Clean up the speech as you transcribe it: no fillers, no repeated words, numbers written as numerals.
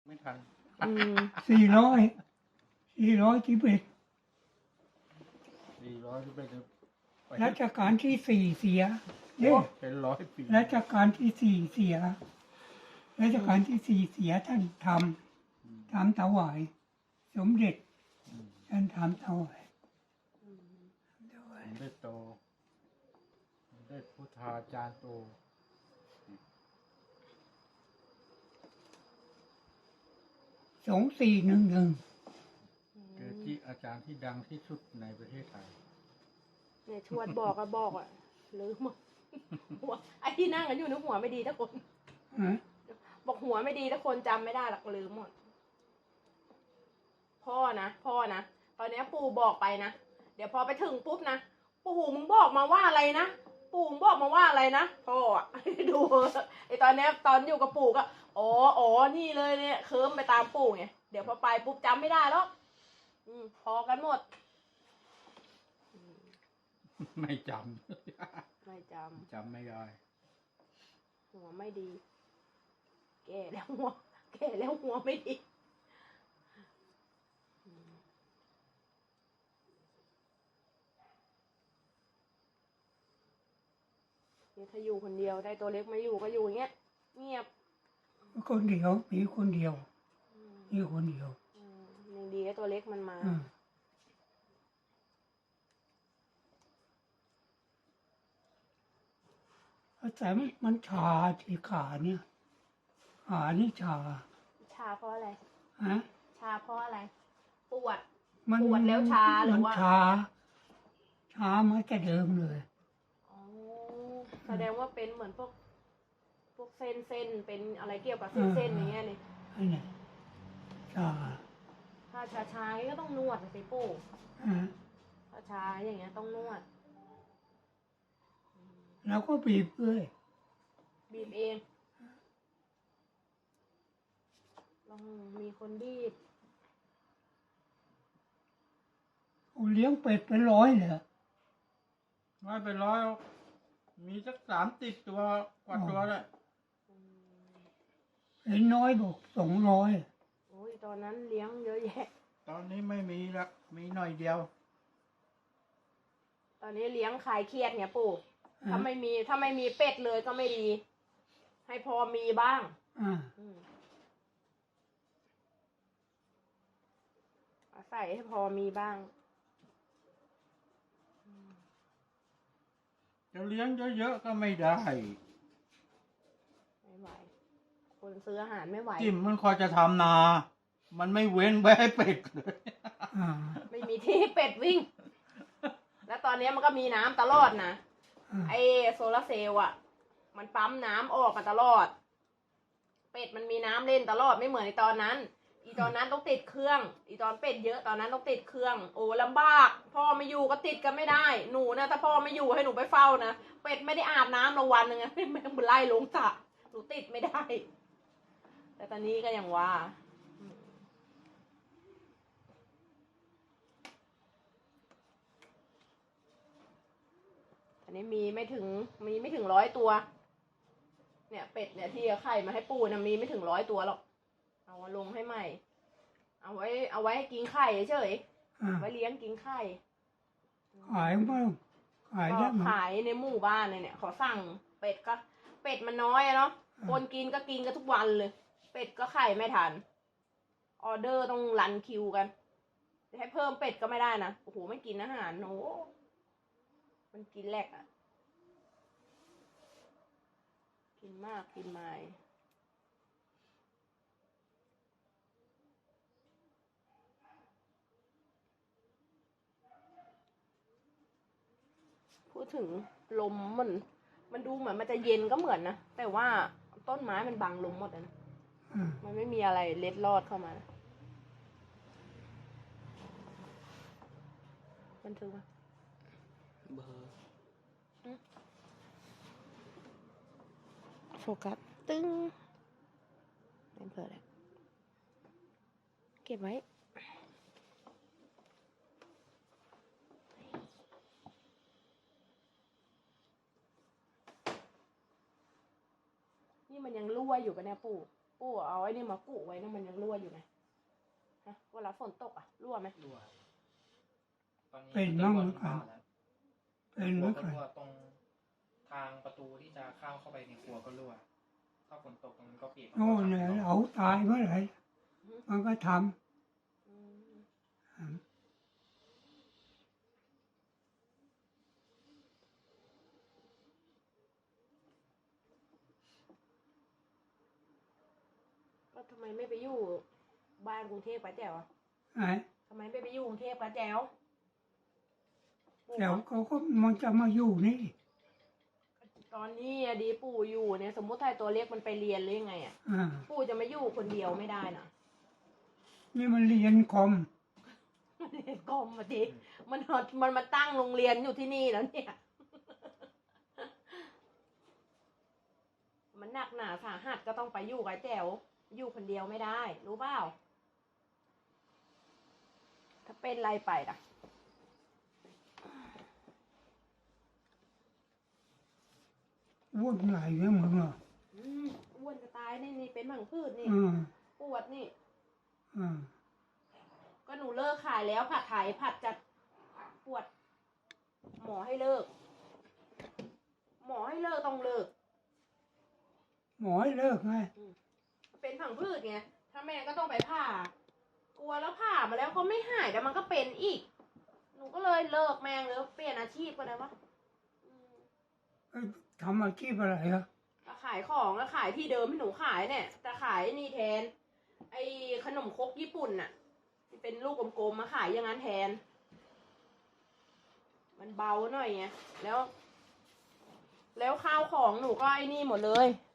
ไม่ทัน 411 411 รัชกาลที่ 4เสียเนี่ยเป็น100 ปีรัชกาลที่ 4เสียรัชกาลที่ 4เสียท่านทำถวายสมเด็จท่านทำถวายผมได้โตผมได้พุทธาจารย์โต 2411 เกจิอาจารย์ที่ดังที่สุดในประเทศไทยเนี่ยชวดบอกก็บอกอ่ะลืมหมดหัวไอ้ที่นั่งกันอยู่ในหัวไม่ดีทุกคนฮะบอกหัวไม่ดีทุกคนจำไม่ได้หรอกลืมหมดพ่อนะตอนนี้ปู่บอกไปนะเดี๋ยวพอไปถึงปุ๊บนะปู่มึงบอกมาว่าอะไรนะปู่มึงบอกมาว่าอะไรนะพ่ออะ ดูไอตอนเนี้ยตอนอยู่กับปู่ก็อ๋อนี่เลยเนี่ยเคิร์มไปตามปู่ไงเดี๋ยวพอไปปุ๊บจำไม่ได้แล้วพอกันหมดไม่จไม่จำ จำไม่ได้ำหัวไม่ดี แก่แล้วหัวไม่ดีเนี่ยถ้าอยู่คนเดียวได้ตัวเล็กมาอยู่ก็อยู่อย่างเงี้ยเงียบคนเดียวมีคนเดียวมีคนเดียวยังดีไอ้ตัวเล็กมันมาแต่มันชาที่ขาเนี่ยขานี่ชาชาเพราะอะไรฮะชาเพราะอะไร ปวดมันปวดแล้วชาหรือว่ามันชามาแต่เดิมเลยอ๋อแสดงว่าเป็นเหมือนพวกเส้นเป็นอะไรเกี่ยวกับเส้นอย่างเงี้ยนี่ไอ้เนี่ยชาถ้าชาๆก็ต้องนวดสิปู่ฮะถ้าชาอย่างเงี้ยต้องนวดแล้วก็บีบด้วยบีบเองต้องมีคนบีบเลี้ยงเป็ดเป็น100เลยไม่เป็นร้อยหรอกมีสัก30 ตัวกว่าตัวเลยเห็นน้อยบอก200 โอ้ยตอนนั้นเลี้ยงเยอะแยะตอนนี้ไม่มีละมีหน่อยเดียวตอนนี้เลี้ยงคลายเครียดไงปู่ถ้าไม่มีเป็ดเลยก็ไม่ดี ให้พอมีบ้าง อาศัยให้พอมีบ้างจะเลี้ยงเยอะๆก็ไม่ได้ไม่ไหว คนซื้ออาหารไม่ไหวจิ้มมันคอยจะทำนา มันไม่เว้นไว้ให้เป็ดเลยไม่มีที่เป็ดวิ่ง แล้วตอนนี้มันก็มีน้ำตลอดนะไอโซลาร์เซลล์อ่ะ มันปั๊มน้ำออกมาตลอด เป็ดมันมีน้ำเล่นตลอดไม่เหมือนในตอนนั้น อีตอนนั้นต้องติดเครื่อง อีตอนเป็ดเยอะตอนนั้นต้องติดเครื่อง โอ้ลำบาก พ่อไม่อยู่ก็ติดกันไม่ได้ หนูนะถ้าพ่อไม่อยู่ให้หนูไปเฝ้านะ เป็ดไม่ได้อาบน้ำละวันหนึ่งอะ แม่งไล่ลงสระหนูติดไม่ได้ แต่ตอนนี้ก็ยังว่าอันนี้มีไม่ถึง100 ตัว เนี่ยเป็ดเนี่ยที่เอาไข่มาให้ปู่นะมีไม่ถึง100 ตัวหรอก เอามาลงให้ใหม่ เอาไว้ให้กินไข่เฉยไว้เลี้ยงกินไข่ขายบ้างขายได้ก็มั้ยขายในหมู่บ้านเนี่ยขอสั่งเป็ดมันน้อยอะเนาะ คนกินก็กินกันทุกวันเลย เป็ดก็ไข่ไม่ทัน ออเดอร์ต้องรันคิวกันจะให้เพิ่มเป็ดก็ไม่ได้นะ โอ้โหไม่กินอาหารโอ้มันกินแหลกอะกินมากกินไม่พูดถึงลมมันดูเหมือนมันจะเย็นก็เหมือนนะ แต่ว่าต้นไม้มันบังลมหมดนะ มันไม่มีอะไรเล็ดลอดเข้ามานะบันทึกว่าเบอร์โฟกัสตึ้งเป็นเบอร์อะไรเก็บไว้ นี่มันยังรั่วอยู่ปะเนี่ยปู่ปู่เอาไอ้นี่มากุไว้นะมันยังรั่วอยู่ไหมฮะเวลาฝนตกอ่ะรั่วไหมรั่วตอนนี้เป็นบ้างเหมือนกัน เป็นเหครัมืวอนก็กันรั่วตรงทางประตูที่จะเข้าไปในครัวก็รั่วถ้าฝนตกตรงนั้นก็เปียกโน่นเนี่ยเอาตายเมื่อไหร่มันก็ทอืมำก็ทำไมไม่ไปอยู่บ้านกรุงเทพป้าแจ๋วอะไอ้ทำไมไม่ไปอยู่กรุงเทพป้าแจ๋วแต่เขาก็มันจะมาอยู่นี่ตอนนี้อะดีปู่อยู่เนี่ยสมมติถ้าตัวเล็กมันไปเรียนหรือยังไงอ่ะอ่าปู่จะมาอยู่คนเดียวไม่ได้นะนี่มันเรียนคอมเรียนกรมมาดิมันมาตั้งโรงเรียนอยู่ที่นี่แล้วเนี่ย มันหนักหนาสาหัสก็ต้องไปอยู่กับแจ๋วอยู่คนเดียวไม่ได้ รู้เปล่าถ้าเป็นไรไปล่ะวุ่นไหลเนี่ยมึงอ่ะอ้วนจะตายนี่เป็นหมังพืชนี่อืมปวดนี่อืมก็หนูเลิกขายแล้วผัดไทยผัดจัดปวด หมอให้เลิก หมอให้เลิกต้องเลิกหมอให้เลิกไงเป็นผังพืชไง ถ้าแม่ก็ต้องไปผ่า กลัวแล้วผ่ามาแล้วก็ไม่หายแต่มันก็เป็นอีก หนูก็เลยเลิกแม่งเลยเปลี่ยนอาชีพก็ได้วะอืมเอ้ยทำอาชีพอะไรอ่ะก็ขายของแล้วขายที่เดิมที่หนูขายเนี่ยแต่ขายนี่แทน ไอ้ขนมครกญี่ปุ่นน่ะที่เป็นลูกกลมๆมาขายอย่างนั้นแทน มันเบาหน่อยไงแล้วข้าวของหนูก็ไอ้นี่หมดเลย